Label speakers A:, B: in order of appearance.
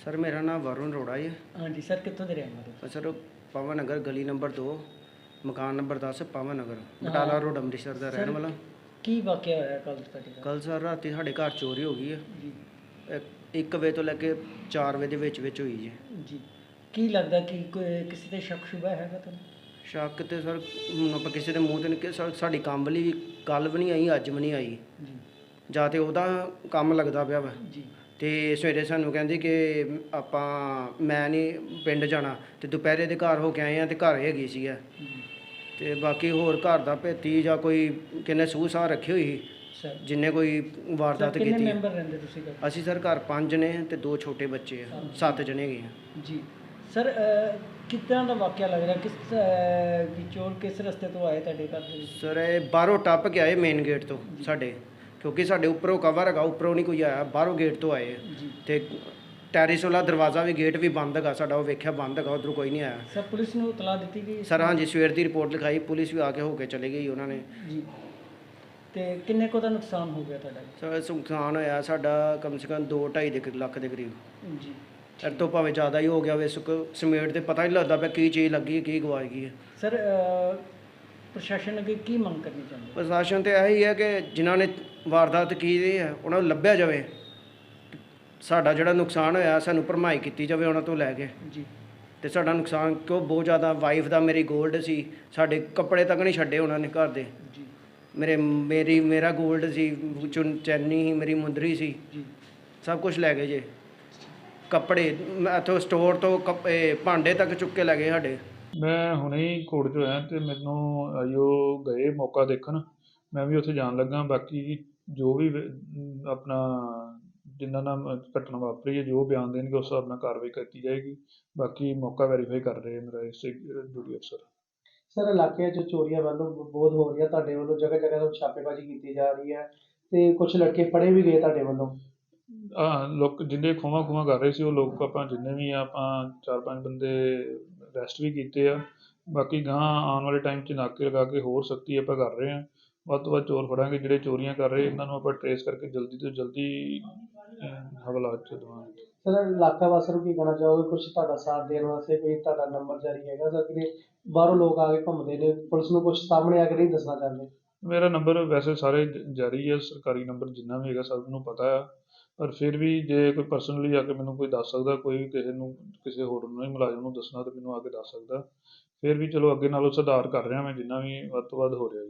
A: Sir ਮੇਰਾ ਨਾਮ ਵਰੁਣ ਅਰੋੜਾ ਹੈ।
B: ਹਾਂਜੀ ਸਰ, ਕਿੱਥੋਂ ਦੇ ਰਹਿਣ ਵਾਲੇ?
A: ਸਰ ਪਵਨ ਨਗਰ ਗਲੀ ਨੰਬਰ 2 ਮਕਾਨ ਨੰਬਰ 10 ਪਵਨ ਨਗਰ ਬਟਾਲਾ ਰੋਡ ਅੰਮ੍ਰਿਤਸਰ ਦਾ ਰਹਿਣ ਵਾਲਾ।
B: ਕੀ ਵਾਕਿਆ ਹੋਇਆ ਕੱਲ ਤੁਹਾਡੇ ਘਰ?
A: ਕੱਲ ਸਰ ਰਾਤੀ ਸਾਡੇ ਘਰ ਚੋਰੀ ਹੋ ਗਈ ਹੈ।
B: ਜੀ
A: 1 ਵਜੇ ਤੋਂ ਲੈ ਕੇ 4 ਵਜੇ ਦੇ ਵਿੱਚ ਹੋਈ ਜੀ।
B: ਜੀ, ਕੀ ਲੱਗਦਾ ਕਿ ਕੋਈ ਕਿਸੇ ਤੇ ਸ਼ੱਕ ਸ਼ੁਬਾ ਹੈਗਾ ਤੁਹਾਨੂੰ?
A: ਸ਼ੱਕ ਤੇ ਸਰ ਹੁਣ ਆਪਾਂ ਕਿਸੇ ਦੇ ਮੂੰਹ ਤੇ ਨਹੀਂ ਕਿ ਸਾਡੀ ਕੰਮ ਵਾਲੀ ਵੀ ਕੱਲ ਵੀ ਨਹੀਂ ਆਈ, ਅੱਜ ਵੀ ਨਹੀਂ ਆਈ।
B: ਜੀ
A: ਜਾਂ ਤੇ ਉਹਦਾ ਕੰਮ ਲੱਗਦਾ ਪਿਆ ਵਾ
B: ਜੀ
A: ਤੇ ਸਵੇਰੇ ਸਾਨੂੰ ਕਹਿੰਦੀ ਕਿ ਮੈਂ ਨਹੀਂ ਪਿੰਡ ਜਾਣਾ ਤੇ ਦੁਪਹਿਰੇ ਦੇ ਘਰ ਹੋ ਕੇ ਆਏ ਆ ਤੇ ਘਰ ਹੈਗੀ ਸੀ
B: ਜੀ
A: ਤੇ ਬਾਕੀ ਹੋਰ ਘਰ ਦਾ ਭੇਤੀ ਜਾਂ ਕੋਈ ਕਿੰਨੇ ਸੂਹ ਸਾਹ ਰੱਖੀ ਹੋਈ
B: ਸਰ।
A: ਜਿੰਨੇ ਕੋਈ ਵਾਰਦਾਤ
B: ਕਿੰਨੇ
A: ਕੀਤੀ।
B: ਮੈਂਬਰ ਰਹਿੰਦੇ ਤੁਸੀਂ ਘਰ?
A: ਅਸੀਂ ਸਰ ਘਰ 5 ਨੇ ਤੇ 2 ਛੋਟੇ ਬੱਚੇ ਆ, 7 ਜਣੇ ਗਏ ਆ।
B: ਜੀ ਸਰ, ਕਿਸ ਤਰ੍ਹਾਂ ਦਾ ਵਾਕਿਆ ਲੱਗ ਰਿਹਾ? ਕਿ ਚੋਰ ਕਿਸ ਰਸਤੇ ਤੋਂ ਆਏ ਤੁਹਾਡੇ ਘਰ ਦੇ ਵਿੱਚ?
A: ਸਰ ਇਹ ਬਾਹਰੋਂ ਟੱਪ ਕੇ ਆਏ ਮੇਨ ਗੇਟ ਤੋਂ ਸਾਡੇ, ਕਿਉਂਕਿ ਸਾਡੇ ਉੱਪਰੋਂ ਕਵਰ ਹੈਗਾ, ਉੱਪਰੋਂ ਨਹੀਂ ਕੋਈ ਆਇਆ, ਬਾਹਰੋਂ ਗੇਟ ਤੋਂ ਆਏ ਆ।
B: ਜੀ
A: ਤੇ ਟੈਰਿਸ ਵਾਲਾ ਦਰਵਾਜ਼ਾ ਵੀ ਗੇਟ ਵੀ ਬੰਦ ਹੈਗਾ ਸਾਡਾ, ਉਹ ਵੇਖਿਆ ਬੰਦ ਹੈਗਾ, ਉੱਧਰੋਂ ਕੋਈ ਨਹੀਂ ਆਇਆ।
B: ਸਰ, ਪੁਲਿਸ ਨੂੰ ਇਤਲਾਹ ਦਿੱਤੀ ਗਈ?
A: ਸਰ ਹਾਂਜੀ, ਸਵੇਰ ਦੀ ਰਿਪੋਰਟ ਲਿਖਾਈ, ਪੁਲਿਸ ਵੀ ਆ ਕੇ ਹੋ ਕੇ ਚਲੇ ਗਈ ਉਹਨਾਂ ਨੇ।
B: ਜੀ, ਤੇ ਕਿੰਨੇ ਕੁ ਦਾ ਨੁਕਸਾਨ ਹੋ ਗਿਆ ਤੁਹਾਡਾ?
A: ਸਰ ਨੁਕਸਾਨ ਹੋਇਆ ਸਾਡਾ ਕਮ ਸੇ ਕਮ 2-2.5 ਲੱਖ ਦੇ ਕਰੀਬ।
B: ਜੀ,
A: ਇਹ ਤੋਂ ਭਾਵੇਂ ਜ਼ਿਆਦਾ ਹੀ ਹੋ ਗਿਆ ਹੋਵੇ। ਸਮੇਟ ਤੇ ਪਤਾ ਨਹੀਂ ਲੱਗਦਾ ਪਿਆ ਕੀ ਚੀਜ਼ ਲੱਗੀ ਕੀ ਗਵਾਚ ਗਈ ਹੈ।
B: ਸਰ ਪ੍ਰਸ਼ਾਸਨ ਅੱਗੇ ਕੀ ਮੰਗ ਕਰਨੀ ਚਾਹੁੰਦੇ?
A: ਪ੍ਰਸ਼ਾਸਨ ਤੇ ਇਹੀ ਹੈ ਕਿ ਜਿਨ੍ਹਾਂ ਨੇ ਵਾਰਦਾਤ ਕੀਤੀ ਹੈ ਉਹਨਾਂ ਨੂੰ ਲੱਭਿਆ ਜਾਵੇ। ਸਾਡਾ ਜਿਹੜਾ ਨੁਕਸਾਨ ਹੋਇਆ ਸਾਨੂੰ ਭਰਮਾਈ ਕੀਤੀ ਜਾਵੇ ਉਹਨਾਂ ਤੋਂ ਲੈ ਕੇ।
B: ਜੀ,
A: ਤੇ ਸਾਡਾ ਨੁਕਸਾਨ ਕਿਉਂ ਬਹੁਤ ਜ਼ਿਆਦਾ, ਵਾਈਫ ਦਾ ਮੇਰੀ 골ਡ ਸੀ, ਸਾਡੇ ਕੱਪੜੇ ਤੱਕ ਨਹੀਂ ਛੱਡੇ ਉਹਨਾਂ ਨੇ ਘਰ ਦੇ।
B: ਜੀ
A: ਮੇਰਾ 골ਡ ਸੀ, ਚੈਨੀ ਸੀ, ਮੇਰੀ ਮੁੰਦਰੀ ਸੀ,
B: ਜੀ
A: ਸਭ ਕੁਝ ਲੈ ਗਏ ਜੇ। ਕੱਪੜੇ ਇੱਥੋਂ ਸਟੋਰ ਤੋਂ ਭਾਂਡੇ ਤੱਕ ਚੁੱਕ ਕੇ ਲੈ ਗਏ ਸਾਡੇ।
C: ਮੈਂ ਹੁਣੇ ਹੀ ਕੋਰਟ 'ਚ ਹੋਇਆ ਅਤੇ ਮੈਨੂੰ ਆਈਓ ਗਏ ਮੌਕਾ ਦੇਖਣ, ਮੈਂ ਵੀ ਉੱਥੇ ਜਾਣ ਲੱਗਾ। ਬਾਕੀ ਜੋ ਵੀ ਆਪਣਾ ਜਿਨ੍ਹਾਂ ਨਾਲ ਘਟਨਾ ਵਾਪਰੀ ਹੈ, ਜੋ ਬਿਆਨ ਦੇਣਗੇ ਉਸ ਹਿਸਾਬ ਨਾਲ ਕਾਰਵਾਈ ਕੀਤੀ ਜਾਏਗੀ। ਬਾਕੀ ਮੌਕਾ ਵੈਰੀਫਾਈ ਕਰ ਰਹੇ ਮੇਰਾ ਇਸੇ ਡਿਊਟੀ ਅਫਸਰ।
D: ਸਰ ਇਲਾਕੇ 'ਚ ਚੋਰੀਆਂ ਵੱਲੋਂ ਬਹੁਤ ਹੋ ਰਹੀਆਂ, ਤੁਹਾਡੇ ਵੱਲੋਂ ਜਗ੍ਹਾ ਜਗ੍ਹਾ ਤੋਂ ਛਾਪੇਬਾਜ਼ੀ ਕੀਤੀ ਜਾ ਰਹੀ ਹੈ ਤੇ ਕੁਝ ਲੜਕੇ ਫੜੇ ਵੀ ਗਏ ਤੁਹਾਡੇ ਵੱਲੋਂ।
C: ਲੋਕ ਜਿਹਦੇ ਖੋਵਾਂ ਕਰ ਰਹੇ ਸੀ ਉਹ ਲੋਕ ਆਪਾਂ ਜਿੰਨੇ ਵੀ ਆ, ਆਪਾਂ 4-5 ਬੰਦੇ ਅਰੈਸਟ ਵੀ ਕੀਤੇ ਆ। ਬਾਕੀ ਗਾਂ ਆਉਣ ਵਾਲੇ ਟਾਈਮ 'ਚ ਨਾਕੇ ਲਗਾ ਕੇ ਹੋਰ ਸਖਤੀ ਆਪਾਂ ਕਰ ਰਹੇ ਹਾਂ। ਵੱਧ ਤੋਂ ਵੱਧ ਚੋਰ ਫੜਾਂਗੇ ਜਿਹੜੇ ਚੋਰੀਆਂ ਕਰ ਰਹੇ, ਇਹਨਾਂ ਨੂੰ ਆਪਾਂ ਟਰੇਸ ਕਰਕੇ ਜਲਦੀ ਤੋਂ ਜਲਦੀ ਹਵਾਲਾਤ 'ਚ ਦੇਵਾਂਗੇ।
D: ਸਰ ਇਲਾਕਾ ਵਾਸੀਆਂ ਨੂੰ ਕੀ ਕਹਿਣਾ ਚਾਹੋਗੇ? ਕੁਝ ਤੁਹਾਡਾ ਸਾਥ ਦੇਣ ਵਾਸਤੇ ਕੋਈ ਤੁਹਾਡਾ ਨੰਬਰ ਜਾਰੀ ਹੈਗਾ ਸਰ? ਕਿ ਬਾਹਰੋਂ ਲੋਕ ਆ ਕੇ ਘੁੰਮਦੇ ਨੇ, ਪੁਲਿਸ ਨੂੰ ਕੁਝ ਸਾਹਮਣੇ ਆ ਕੇ ਨਹੀਂ ਦੱਸਣਾ ਚਾਹੁੰਦੇ?
C: ਮੇਰਾ ਨੰਬਰ ਵੈਸੇ ਸਾਰੇ ਜਾਰੀ ਹੈ, ਸਰਕਾਰੀ ਨੰਬਰ ਜਿੰਨਾ ਵੀ ਹੈਗਾ ਸਭ ਨੂੰ ਪਤਾ ਆ। ਪਰ ਫਿਰ ਵੀ ਜੇ ਕੋਈ ਪਰਸਨਲੀ ਆ ਕੇ ਮੈਨੂੰ ਕੋਈ ਦੱਸ ਸਕਦਾ, ਕੋਈ ਵੀ ਕਿਸੇ ਹੋਰ ਨੂੰ ਨਹੀਂ ਮੁਲਾਜ਼ਮ ਨੂੰ ਦੱਸਣਾ ਤਾਂ ਮੈਨੂੰ ਆ ਕੇ ਦੱਸ ਸਕਦਾ। ਫਿਰ ਵੀ ਚਲੋ ਅੱਗੇ ਨਾਲੋਂ ਸੁਧਾਰ ਕਰ ਰਿਹਾ ਮੈਂ, ਜਿੰਨਾ ਵੀ ਵੱਧ ਤੋਂ ਵੱਧ ਹੋ ਰਿਹਾ ਜੀ।